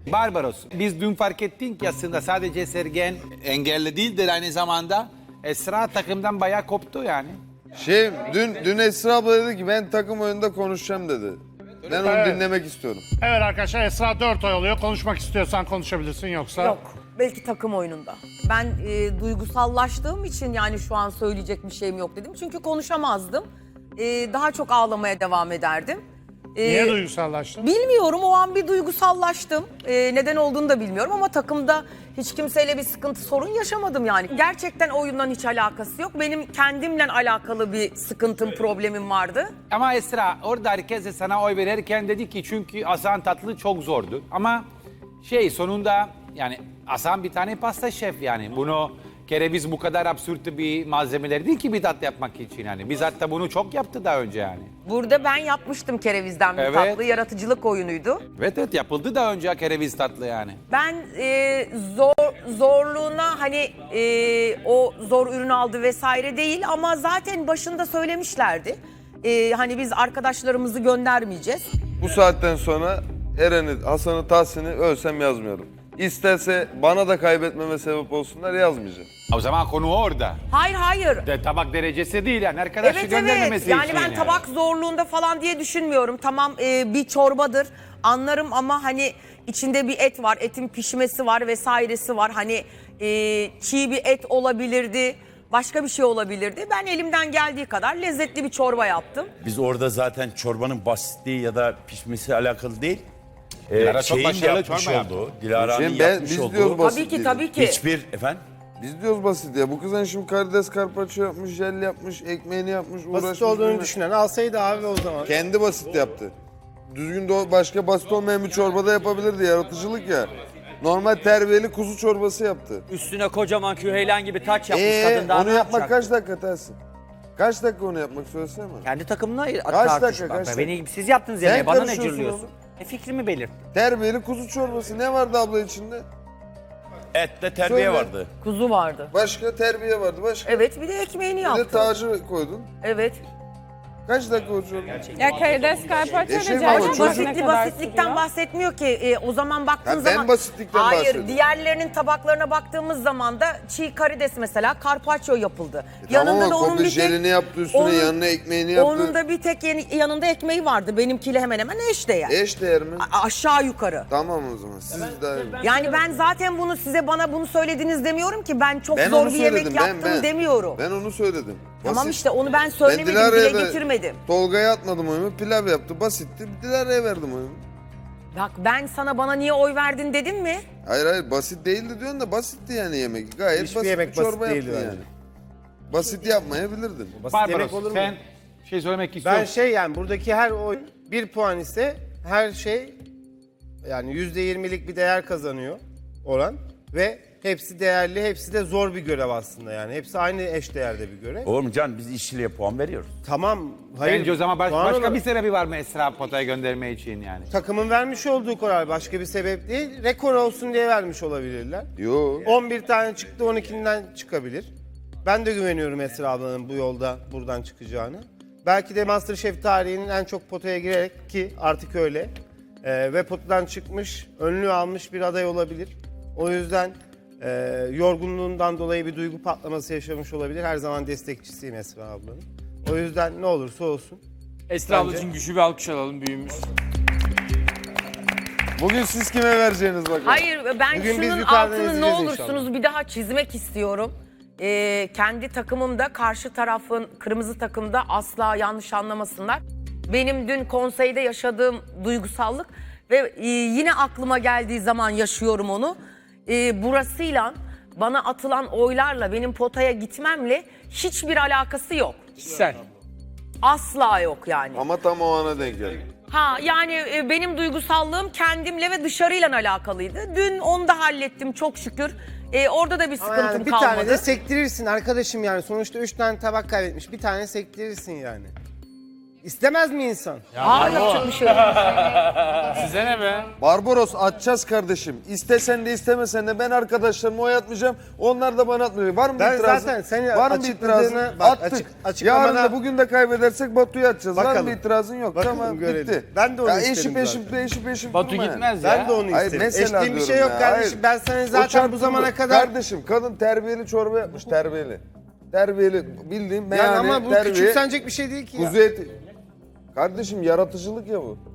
Barbaros, biz dün fark ettik ki aslında sadece Sergen engelli değildir aynı zamanda. Esra takımdan bayağı koptu yani. Dün Esra abla dedi ki ben takım oyununda konuşacağım dedi. Ben onu dinlemek istiyorum. Evet arkadaşlar, Esra 4 oy alıyor. Konuşmak istiyorsan konuşabilirsin, yoksa... Yok. Belki takım oyununda. Ben duygusallaştığım için yani şu an söyleyecek bir şeyim yok dedim. Çünkü konuşamazdım. Daha çok ağlamaya devam ederdim. Niye duygusallaştın? Bilmiyorum, o an bir duygusallaştım. Neden olduğunu da bilmiyorum ama takımda hiç kimseyle bir sıkıntı, sorun yaşamadım yani. Gerçekten oyundan hiç alakası yok. Benim kendimle alakalı bir sıkıntım, problemim vardı. Ama Esra orada herkes de sana oy verirken dedi ki çünkü Hasan Tatlı çok zordu. Ama sonunda yani Hasan bir tane pasta şef yani. Bunu kereviz bu kadar absürt bir malzemeler değil ki bir tatlı yapmak için yani. Biz hatta bunu çok yaptı daha önce yani. Burada ben yapmıştım kerevizden bir Evet. tatlı, yaratıcılık oyunuydu. Evet yapıldı daha önce kereviz tatlı yani. Ben zorluğuna hani o zor ürün aldı vesaire değil ama zaten başında söylemişlerdi. Hani biz arkadaşlarımızı göndermeyeceğiz. Bu saatten sonra Eren'i, Hasan'ı, Tahsin'i ölsem yazmıyorum. İsterse bana da kaybetmeme sebep olsunlar yazmayacağım. O zaman konu orada. Hayır. Tabak derecesi değil yani arkadaşı Evet göndermemesi yani için ben tabak zorluğunda falan diye düşünmüyorum. Tamam bir çorbadır anlarım ama hani içinde bir et var, etin pişmesi var vesairesi var. Hani çiğ bir et olabilirdi, başka bir şey olabilirdi. Ben elimden geldiği kadar lezzetli bir çorba yaptım. Biz orada zaten çorbanın basitliği ya da pişmesi alakalı değil. Dilara çok şeyin başarılı yapmış çorba yaptı. olduğu, Dilara'nın Biz yapmış diyoruz olduğu basit Tabii ki. hiçbir efendim Biz diyoruz basit ya. Bu kızın şimdi karides karpaccio yapmış, jel yapmış, ekmeğini yapmış, uğraşmış. Basit olduğunu bilmem. düşünen alsaydı abi o zaman. Kendi basit yaptı. Düzgün de başka basit olmayan bir çorbada yapabilirdi, yaratıcılık ya. Normal terbiyeli kuzu çorbası yaptı. Üstüne kocaman küheylan gibi taç yapmış kadın, daha Onu ne yapmak yapacak? kaç dakika tersin? Kaç dakika onu yapmak söylesene bana. Kendi takımına dakika, tartışmak. kaç dakika? Beni siz yaptınız Sen yemeği, bana ne karışıyorsun cırlıyorsun? oğlum. Fikrimi belirt. Terbiyeli kuzu çorbası ne vardı abla içinde? ette terbiye Söyle. vardı. Kuzu vardı. Başka terbiye vardı, başka. Evet bir de ekmeğini Bir de yaptım. tacı koydun. Evet. Kaç dakika o çorba? Ya karides karpaccio Eşim da ama cacık çocuk- ne kadar Basitlikten sürüyor? bahsetmiyor ki. O zaman baktığın Ha, ben zaman... basitlikten Hayır, bahsediyorum. diğerlerinin tabaklarına baktığımız zaman da çiğ karides mesela carpaccio yapıldı. Tamam ama kopi jelini yaptı üstüne, yanına ekmeğini yaptı. Onun da bir tek yanında ekmeği vardı. Benimkiyle hemen hemen eşdeğer. Eşdeğer mi? Aşağı yukarı. Tamam o zaman. Siz daha iyi. Yani ben zaten bunu bana bunu söylediniz demiyorum ki. Ben çok Ben zor onu bir yemek söyledim. yaptım demiyorum. Ben onu söyledim. Tamam Basit. işte onu ben Ben söylemedim, Dilara'ya dile da getirmedim. Tolga'ya atmadım oyumu. Pilav yaptı. Basitti. Dilara'ya verdim oyumu. Bak ben sana bana niye oy verdin dedim mi? Hayır basit değildi diyorsun da basitti yani yemek. Gayet Hiçbir basit yemek bir çorba basit değildi yaptın bence. yani. Basit yapmayabilirdin. Basit yemek Barbaros olur mu? sen söylemek istiyorsun. Ben yani buradaki her oy 1 puan ise her şey yani %20'lik bir değer kazanıyor oran ve hepsi değerli, hepsi de zor bir görev aslında yani. Hepsi aynı eş değerde bir görev. Oğlum can biz işçiliğe puan veriyoruz. Tamam, hayır. Bence o zaman puan başka olarak bir sebebi var mı Esra potaya gönderme için yani? takımın vermiş olduğu karar başka bir sebep değil. Rekor olsun diye vermiş olabilirler. Yo. 11 tane çıktı, 12'den çıkabilir. Ben de güveniyorum Esra ablanın bu yolda buradan çıkacağını. Belki de MasterChef tarihinin en çok potaya girerek ki artık öyle ve potadan çıkmış, önlüğü almış bir aday olabilir. O yüzden yorgunluğundan dolayı bir duygu patlaması yaşamış olabilir. Her zaman destekçisiyim Esra ablanın. O yüzden ne olursa olsun. Esra ablacığım güçlü bir alkış alalım büyüğümüz. Bugün siz kime vereceğiniz bakalım. Hayır ben Bugün biz şunun yukarıdan altını ne izleyeceğiz olursunuz inşallah. bir daha çizmek istiyorum. Kendi takımımda karşı tarafın kırmızı takımda asla yanlış anlamasınlar. Benim dün konseyde yaşadığım duygusallık ve yine aklıma geldiği zaman yaşıyorum onu. Burasıyla bana atılan oylarla benim potaya gitmemle hiçbir alakası yok. Kişisel. Asla yok yani. Ama tam o ana denk geldi. Yani benim duygusallığım kendimle ve dışarıyla alakalıydı. Dün onu da hallettim çok şükür. Orada da bir Ama sıkıntım yani bir kalmadı. tane de sektirirsin arkadaşım yani. Sonuçta 3 tane tabak kaybetmiş. Bir tane sektirirsin yani. İstemez mi insan? Aa, yapacak bir şey yok. Size ne be? Barbaros atacağız kardeşim. İstesen de istemesen de ben arkadaşlarıma oy atmayacağım. Onlar da bana atmayacak. Var mı bir Ben itirazın? zaten senin Var mı bir itirazın? açıkladığını- bak, Attık. açıklamana- Yarın da bugün de kaybedersek Batu'yu atacağız. Var mı Bakalım. bir itirazın? Yok. Bakalım, tamam görelim. bitti. Ben de onu ya isterim eşip Batu durma yani. gitmez ya. Ben de onu Hayır, isterim. mesela Eşliğim bir şey diyorum yok ya, kardeşim. hayır. Ben sana O zaten bu çarptı zamana mı? kadar... Kardeşim kadın terbiyeli çorba yapmış terbiyeli. Terbiyeli bildiğim Yani meyhane ama bu terbiye. küçümsenecek bir şey değil ki ya. Kuzu eti. Kardeşim yaratıcılık ya bu.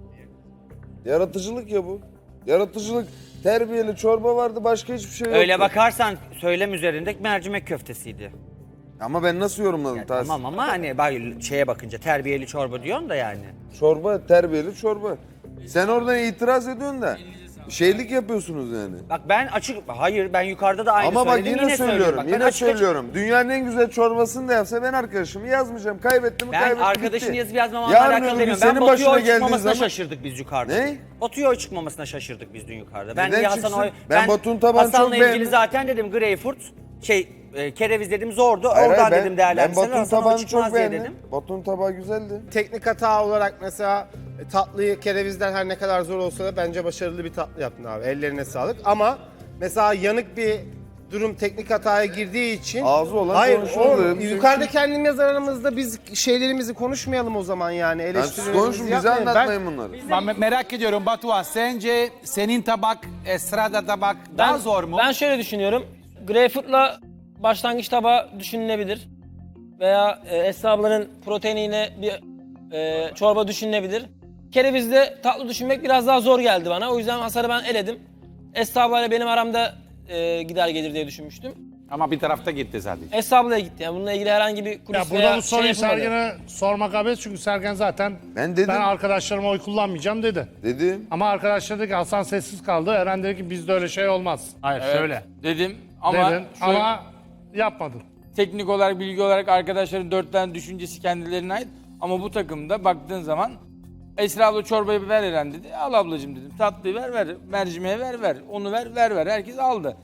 Yaratıcılık ya bu. Yaratıcılık. Terbiyeli çorba vardı başka hiçbir şey yoktu. Öyle bakarsan söylem üzerinde mercimek köftesiydi. Ama ben nasıl yorumladım Tahsin? Tamam ama hani bak şeye bakınca terbiyeli çorba diyorsun da yani. Çorba terbiyeli çorba. Sen oradan itiraz ediyorsun da şeylik yapıyorsunuz yani. Bak ben hayır ben yukarıda da aynı Ama bak söyledim. yine söylüyorum. Bak, ben Yine açık açık- söylüyorum. Dünyanın en güzel çorbasını da yapsa ben arkadaşımı yazmayacağım. Kaybettim mi Ben kaybettim arkadaşını bitti. yazıp yazmamanla Yarın alakalı öbür gün demiyorum. senin Ben Batu'ya başına oy geldiği çıkmamasına zaman... şaşırdık biz yukarıda. Ne? Batu'ya oy çıkmamasına şaşırdık biz dün yukarıda. Ben Neden niye Hasan'a çıksın? oy... Ben Batu'nun tabağını çok Hasan'la ilgili beğendim. zaten dedim Greyfurt, kereviz dedim zordu. Hayır, Oradan hayır, dedim ben değerlendirseler Batu'nun Hasan'a oy tabağını çıkmaz çok diye beğendim. dedim. Batu'nun tabağı güzeldi. Teknik hata olarak mesela tatlıyı kerevizden her ne kadar zor olsa da bence başarılı bir tatlı yaptın abi. Ellerine sağlık. Ama mesela yanık bir durum teknik hataya girdiği için... Ağzı olan Hayır, konuşuldu. yukarıda kendimiz aramızda biz şeylerimizi konuşmayalım o zaman yani. Ben siz Eleştirilerimizi konuşun bize yapmayın. anlatmayın bunları. Ben merak ediyorum Batuhan, sence senin tabak, Esra'da tabak daha zor mu? Ben şöyle düşünüyorum. Greyfurt'la başlangıç tabağı düşünülebilir. Veya Esra ablanın proteiniyle bir çorba düşünülebilir. Kerevizle tatlı düşünmek biraz daha zor geldi bana. O yüzden Hasan'ı ben eledim. Esra ablayla benim aramda gider gelir diye düşünmüştüm. Ama bir tarafta gitti zaten. Esra ablaya gitti. Yani bununla ilgili herhangi bir kulis Ya veya burada bu soruyu yapılmadı. Sergen'e sormak abes çünkü Sergen zaten Ben dedim. ben arkadaşlarıma oy kullanmayacağım dedi. Dedim. Ama arkadaşlar dedi ki Hasan sessiz kaldı. Eren dedi ki bizde öyle şey olmaz. Hayır şöyle. Dedim ama Dedin şöyle- ama yapmadın. teknik olarak, bilgi olarak arkadaşların 4 tane düşüncesi kendilerine ait. Ama bu takımda baktığın zaman Esra abla çorbayı ver Eren dedi. Al ablacığım dedim. Tatlıyı ver. Mercimeği ver. Onu ver. Herkes aldı.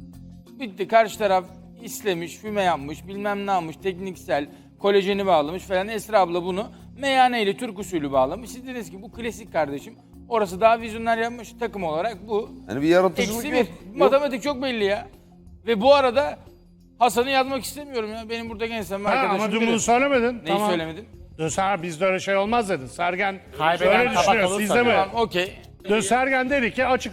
Bitti. Karşı taraf istemiş, füme yapmış, bilmem ne yapmış, tekniksel, kolajeni bağlamış falan. Esra abla bunu meyhaneyle Türk usulü bağlamış. Siz dediniz ki bu klasik kardeşim. Orası daha vizyoner yapmış takım olarak bu. Hani bir yaratıcılık Eksi yok. bir. Matematik çok belli ya. Ve bu arada Hasan'ı yazmak istemiyorum ya. Benim burada gençsem Ha, arkadaşım ama dün bilir. bunu söylemedin. Neyi söylemedim? Dün sen bizde öyle şey olmaz dedin. Sergen Kaybeden öyle tabak düşünüyor. olursa Sizde mi? Tamam, okey. Dün Sergen dedi ki açık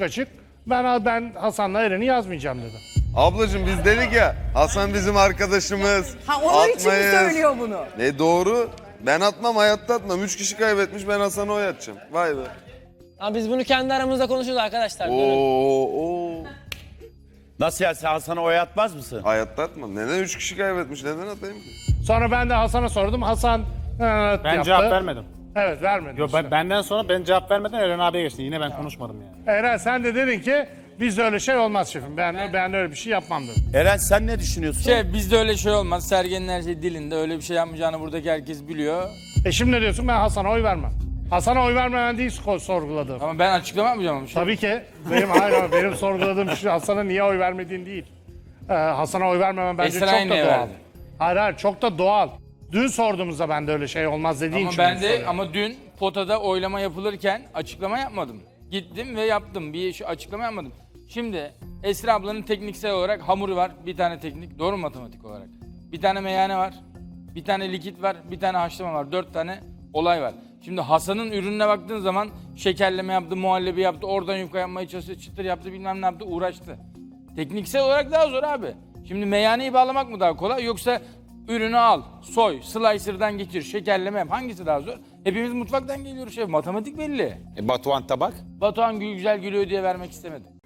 ben Hasan'la Eren'i yazmayacağım dedi. Ablacığım biz dedik ya Hasan bizim arkadaşımız. Ha, onun için mi atmayız. söylüyor bunu? Ne doğru. Ben atmam hayatta atmam. 3 kişi kaybetmiş ben Hasan'a oy atacağım. Vay be. Ama biz bunu kendi aramızda konuşuyoruz arkadaşlar. Durun. Oo. Nasıl ya, sen Hasan'a oy atmaz mısın? Hayatta atmam. Neden 3 kişi kaybetmiş? Neden atayım ki? Sonra ben de Hasan'a sordum. Hasan Ben yaptı. cevap vermedim. Evet vermedi. Yo, işte. benden sonra ben cevap vermeden Eren abiye geçti. Yine ben konuşmadım yani. Eren sen de dedin ki bizde öyle şey olmaz şefim. Ben öyle bir şey yapmam dedim. Eren sen ne düşünüyorsun? Bizde öyle şey olmaz. Sergen'in her şey dilinde. Öyle bir şey yapmayacağını buradaki herkes biliyor. Şimdi ne diyorsun? Ben Hasan'a oy vermem. Hasan'a oy vermemen değil sorguladım. Ama ben açıklama yapmayacağım ama. Tabii ki. Benim sorguladığım şey Hasan'a niye oy vermediğin değil. Hasan'a oy vermemen bence Esra'ya çok da niye doğal. verdin? Hayır çok da doğal. Dün sorduğumuzda ben de öyle şey olmaz dediğin Ama için. ben bunu de soruyorum. ama dün potada oylama yapılırken açıklama yapmadım. Gittim ve yaptım. Açıklama yapmadım. Şimdi Esra ablanın tekniksel olarak hamuru var. Bir tane teknik. Doğru mu matematik olarak? Bir tane meyhane var. Bir tane likit var. Bir tane haşlama var. 4 tane olay var. Şimdi Hasan'ın ürününe baktığın zaman şekerleme yaptı, muhallebi yaptı, oradan yufka yapmaya çalıştı, çıtır yaptı, bilmem ne yaptı, uğraştı. Tekniksel olarak daha zor abi. Şimdi meyhaneyi bağlamak mı daha kolay yoksa ürünü al, soy, slicer'dan geçir, şekerleme yap. Hangisi daha zor? Hepimiz mutfaktan geliyoruz şef. Matematik belli. Batuhan tabak? Batuhan güzel gülüyor diye vermek istemedim.